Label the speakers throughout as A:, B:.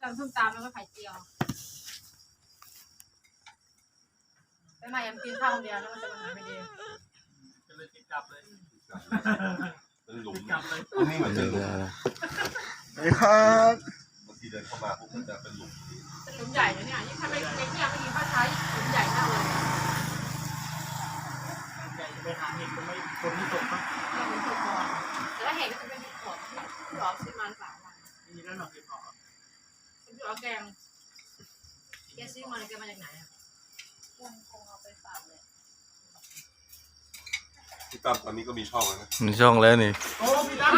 A: ำส้มตำแล้วก็ไข่เจียวไปมายังกินข้าวคนเดียวแล้วมันจะมาหาไม่ดี
B: จะเลยติดกลับเลย
C: เป็นหลุม
B: กลับเลย
C: ตรงนี้เหมือนเป็นหลุม
D: นี่ครับ
C: บางทีเดินเข้ามาปุ๊บมันจะเป็นหลุม
A: หลุมใหญ่เนี่ยยิ่งถ้าไปเที่ยวไปกินข้าวเช้าหลุมใหญ่มากเลย
B: ใหญ่ไปหาเห็ดก็ไม่คนที่ตกปะ
A: เราเป็นตัวกอนแต่ถ้าเห็นก็จะเป็นของที่ร้อนซื้อมา3 วัน
B: มีแล้วหน่อเห็ดหอม
A: คุณพี่เอาแกงแกซื้อมาแกมาจากไหนอ่ะคงเอาไปฝากเลย
C: พี่ตั้มตอนนี้ก็มีช่องแล้วนะ
D: มีช่องแล้วนี่
B: โอ้พี่ตั้ม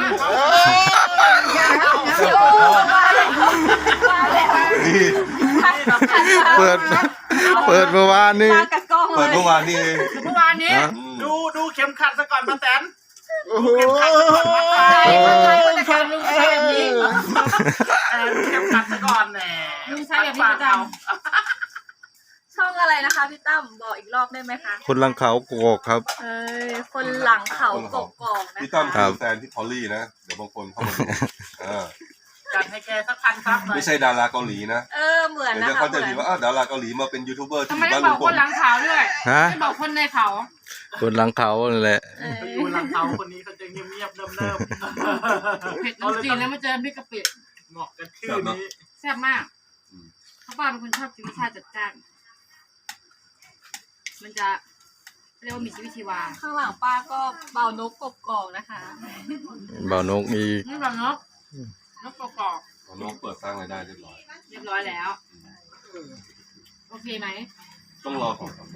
D: เปิดเมื่อวานนี่
A: มากับกล้องเล
C: เปิด
A: ย
C: เมื่อวานนี้เอง
B: เมื่อวานนี้
D: ฮะ
B: ดูเข็มขัดซะก่อนมาแตน
D: โอ้โห
B: เข็มขัดซะก่อนมาแตน
A: คนจะการลุงใช้แบบนี้
B: ดูเข็มขัดซะก่อนแหน่
A: ลุงใช้แบบนี้ประจ
E: ช่องอะไรนะคะพี่ตั้มบอกอีกรอบได้ไหมคะ
D: คนลังเขาโกกครับ
E: คนหลังเขากกอกนะ
C: พี่ตั้ม
E: คะ
C: คือแฟนที่พอลลี่นะเดี๋ยวบางคนเข้ามาดูอ่า
B: จัดให้แกสักพันครับหน่อย
C: ไม่ใช่ดาราเกาหลีนะ
E: เหมือน
C: เดี๋ยว
E: นะคะ
C: เขาจะ
E: เหมื
C: มี
E: อน
C: ว่าอ้าวดาราเกาหลีมาเป็นยูทูบเบอร์
A: ำ
C: ที่
A: ทำ
C: อ
A: ไม
C: ยู่
A: ต้อ
C: บ้าง น
A: บ
C: ลุ
A: อก
C: งพ
A: ค
C: ล
A: นหลังเขาด้วย
D: ฮะ
A: ไม่บอกคนในเขา
D: คนลังเขานั่นแหละ
B: ไปอยู่หลังเขาคนนี้เขาจะเงียบๆเนิ่ม
A: เผ็ดน้ำจีนแล้วมาเจอพริกกะปิ
B: ๆเหมาะกันชื่อนี้
A: แซ่บมากเขาป้าเป็นคนชอบกินรสชาติจัดจ้านมันจะเรียกว่ามีชีวิตชีวา
E: ข้างหลังป้าก็เบานกกกอกนะคะ
D: เบานกอีก
A: นี่แบบนกกรอบ
C: น้องเปิดสร้างรายได้เรียบร้อย
A: เรียบร้อยแล้วโอเคไหม
C: ต้องรอของก่อน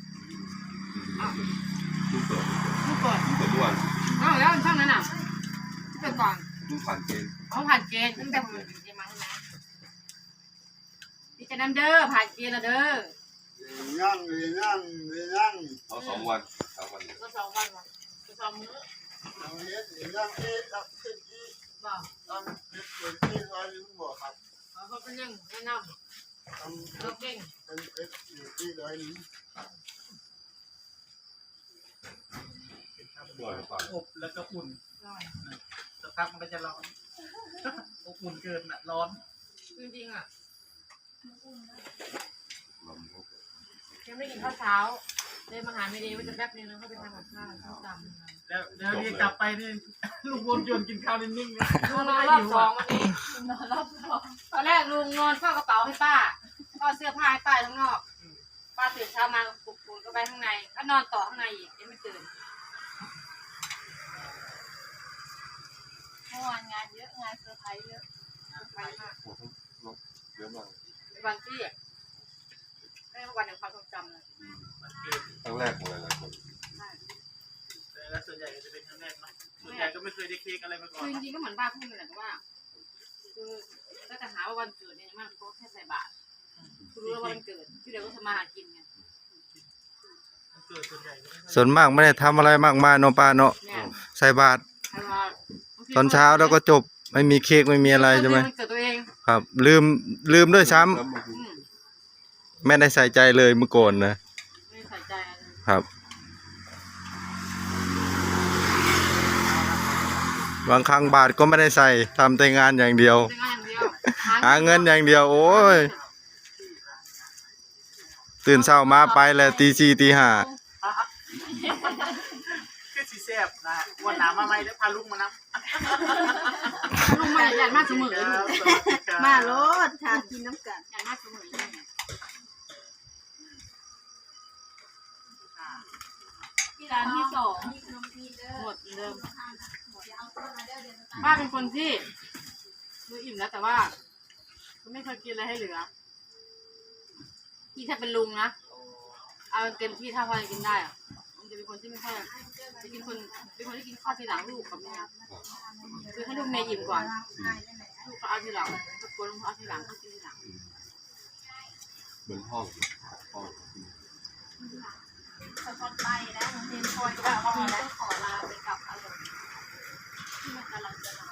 C: เพิ่งเปิด
A: ผู้เปิด
C: เมื่อวาน
A: อ้าวแล้วช่องนั้นอ่ะที่เปิดก่อน
C: เพิ่งผ่านเกณฑ์
A: เขาผ่านเกณฑ์ตั้งแต่ผมอยู่เกณฑ์มาใช่ไหมดีใจน้ำเด้อผ่านเกณฑ์แล้วเด้อ
D: ย่าง
C: เอา2 วัน3 วัน
A: ก็2 วันวะก็2 มื้อบอกเขาเป็นยังแนะนำเราเก่ง
C: บ่อยฟัง
B: อบแล้วก็อุ่น
A: ร่อย
B: สักพักมันก็จะร้อนอบอุ่นเกินอ่ะร้อน
A: จริงๆอ่ะ
C: ลม
A: ยังไม่กินข้าวเช้าเลยมาหาไม่ดีว่าจะแป๊บนึงแล้วเขาไปทำกับข้าวส้มตำ
B: แล้วนี่กลับไปนี่ลูกวนโยนกินข้าวนิ่งๆเลย
A: ลุงนอนรอบ2 วันนี้นอนรอบ2ตอนแรกลุงนอนเฝ้ากระเป๋าให้ป้าก็เสื้อผ้าให้ป้าข้างนอกป้าตื่นเช้ามาปลุกก็ไปข้างในก็นอนต่อข้างในอีกยังไม่ตื่น
E: เมื่อวานงานเยอะงานเซอร์ไพรส์เยอะ
A: ไปมาก
C: โอ้โหนกเยอะมาก
A: เป็นวันที่ไม่วันแห่งความทรงจำเลย
B: มันเกิน
C: ครั้งแรกของหลายๆคน
B: แต่ส่วนใหญ่จะเป็นครั้งแรกเนาะส่วนใหญ่ก็ไม่เคยได้เค้กอะไรมาก่อ
A: คื
B: น
A: อจริงๆก็เหมือนป้าพูดเลยแต่ว่าคือถ้าจะหาว่าวันเกิดเนี่ยมันก็แค่ใส่บาตรคือรู้แล้วว่าวันเกิดที่เดี๋ยวก็ทำมาหากินไง
B: เกิดส่วนใหญ่ก็ไม่ค่อย
D: ส่วนมากไม่ได้ทำอะไรมากมายเนาะป้าเนาะ
A: เนี่ย
D: ใส่บาตร
A: ใครว่า
D: ตอนเช้าแล้วก็จบไม่มีเค้กไม่มีอะไรใช่ไหม
A: วันเกิดตัวเอง
D: ครับ ลืมด้วยซ้ำ
C: แล้วบางที
D: ไม่ได้ใส่ใจเลยเมื่อก่อนนะ
A: ไม่ใส่ใจอะไร
D: ครับ บางครั้งบาทก็ไม่ได้ใส่ทำแต่งานอย่างเดียว
A: เป็นงานอย่างเดียว
D: หาเงินอย่างเดียว โอ้ย ตื่นเช้ามาไปแล้วตี 4 ตี 5
B: คือสีแซ่บนะวันหนามาใหม่แล้วพาลูกมานับ
A: ลุงมาอยากมากเสมอเลยลูก
E: มาโลดค่ะกินน้ำกัน
A: อยากมากเสมอเลย
E: ที่ร้านที่2
A: หมดเดิมป้าเป็นคนที่ดูอิ่มแล้วแต่ว่าไม่เคยกินอะไรให้เหลือที่ถ้าเป็นลุงนะเอาเต็มที่ถ้าพอจะกินได้อะมันจะเป็นคนที่ไม่ค่อยจะกินคนเป็นคนที่กินข้าวทีหลังลูกกับแม่คือให้ลูกแม่อิ่มก่อนลูกก็เอาทีหลังก็กลัวลุงเอาทีหลังก็กินทีหลัง
C: เหมือนห้อง
E: คนไปแล้วเรียนคอยก็บอกว่าต้องขอลาไปกับอารมณ์ที่มันกำลังจะลา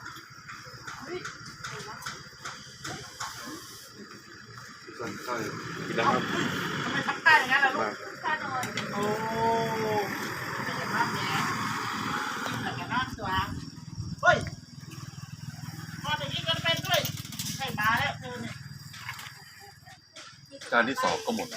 C: ใช่กินแล้วครับ
B: ทำไมทำใต้อย่างนั้นล่ะลูก
E: ค่าโดย
B: โอ้ยมากแหน่แต่แกนอนตัวเฮ้ยพอจะยิงกันเป็นด้วยให้มาแล้วเธอเนี่ย
C: จานที่สองก็หมด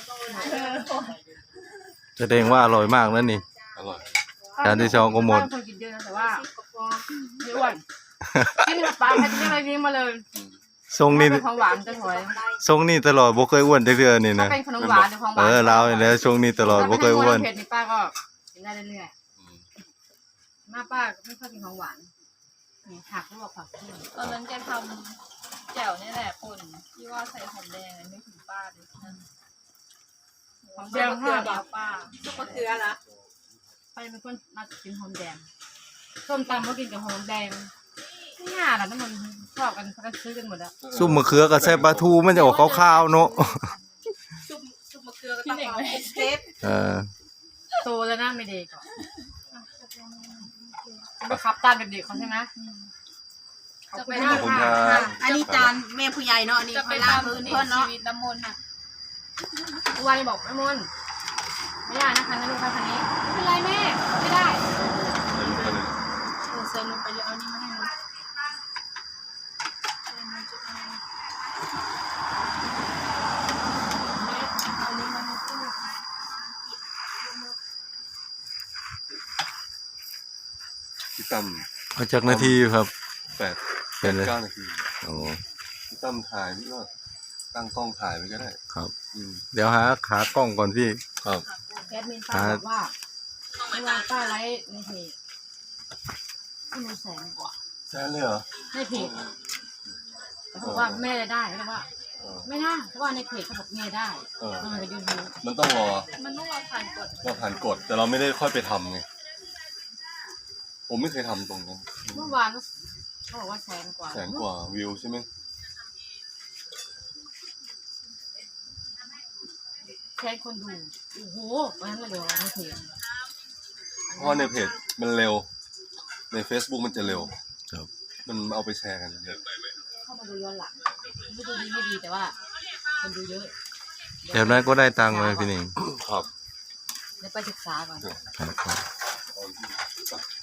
D: แสดงว่าอร่อยมากแล้วนี่
C: อร่อย
D: จานที่สองก็หมด
A: ป้าเป็นคนกินเยอะนะแต่ว่าไม่อ้วนกินกับปลาแพทย์ยังไงนี้มาเลย
D: ทรงนี่
A: เป็นของหวานจะถอย
D: ทรงนี่ตลอดบ่เคยอ้วนจักเทื่อนี่
A: ถ้า
D: นะ
A: เป็นขนมหวานหรือของหวาน
D: เราเนี่ยแหละทรงนี่ตลอดบ่เคยอ้วน
A: ถ้าเป็นเผ็ดนี่ป้าก็กินได้เรื่อยๆมาป้าไม่ค่อยกินของหวานนี่ผักลวกผักเคี่ยว
E: ตอนนั้นแกทำแจ่วนี่แหละคนที่ว่าใส่หอมแดงไม่ถึงป้าเลยนั่น
A: หอมแดงห้าบาท
E: ป้า
F: ซุปมะเขือเหรอ
A: ใครเป็นคนมากินหอมแดงส้มตำก็กินกับหอมแดงง่ายๆนะน้ำมันชอบกันเขาก็ซื้อกันหมดแล้ว
D: ซุปมะเขือกับใส่ปลาทูมันจะออกขาวๆเนาะ
F: ซุปมะเขือก็ต้องเอาเซฟ
A: โตแล้วนะไม่เด็กก่อนไปขับตามเด็กๆเขาใช่ไหม
E: จะไป
C: ขอบคุณครับ
F: อันนี้จานแม่ผู้ใหญ่เนาะอันนี้
E: จะไป
F: ค่อยล้าง
E: ทำ
F: พื้น
E: ชี
F: เพื่อนเนาะ
E: วิตน้ำมนต์อ่ะ
A: วันบอกแม่มนไม่ได้นะคะนะลูกค้าคันนี้ไม่เป็นไรแม่ไม่ได้
F: เซิร์ฟลงไปเลยเอานี่มาให้หนู
C: พี่ตั้ม
D: เอาจากนาทีครับ
C: แปด
D: เป็นเลย
C: 9 นาที
D: โอ้
C: พี่ตั้มถ่ายพี่ก็ตั้งกล้องถ่ายไปก็ได้
D: ครับ
C: อืม
D: เดี๋ยวหาขากล้องก่อนพี่
C: ครับ
A: แอดมินป้าบอกว่าเมื่อวานป้าไลฟ์ในเพจที่มัน100,000 กว่า
C: แซนเลยเหรอ
A: ในเพจแต่เขาบอกว่าแม่ได้เขาบอกว่า
C: เออ
A: ไม่น่าเพราะว่าในเพจเขาบอกแม่ได้
C: เออ
A: มันกับยูทูบ
C: มันต้องรอ
E: มันต้องเราผ่านกฎ
C: เราผ่านกฎแต่เราไม่ได้ค่อยไปทำไงผมไม่เคยทำตรงนั้น
A: เมื่อวานเขาบอกว่า100,000 กว่า
C: แสนกว่าวิวใช่ไหม
A: แค่คนดูโอ้โหวันนั้นเลยเดี๋ยวในเพจ
C: เพราะว่าในเพจมันเร็ว ใน Facebook มันจะเร็ว
D: ครับ
C: มันเอาไปแชร์กันเยอะ
A: เข้ามาดูย้อนหลังไม่ดูดีไม่ดีแต่ว่าคนดูเยอะ
D: แบบนั้นก็ได้ตังค์เลยพี่หนิง
C: ครับ
A: เดี๋ยวไปศึกษาก่อน
D: ครับ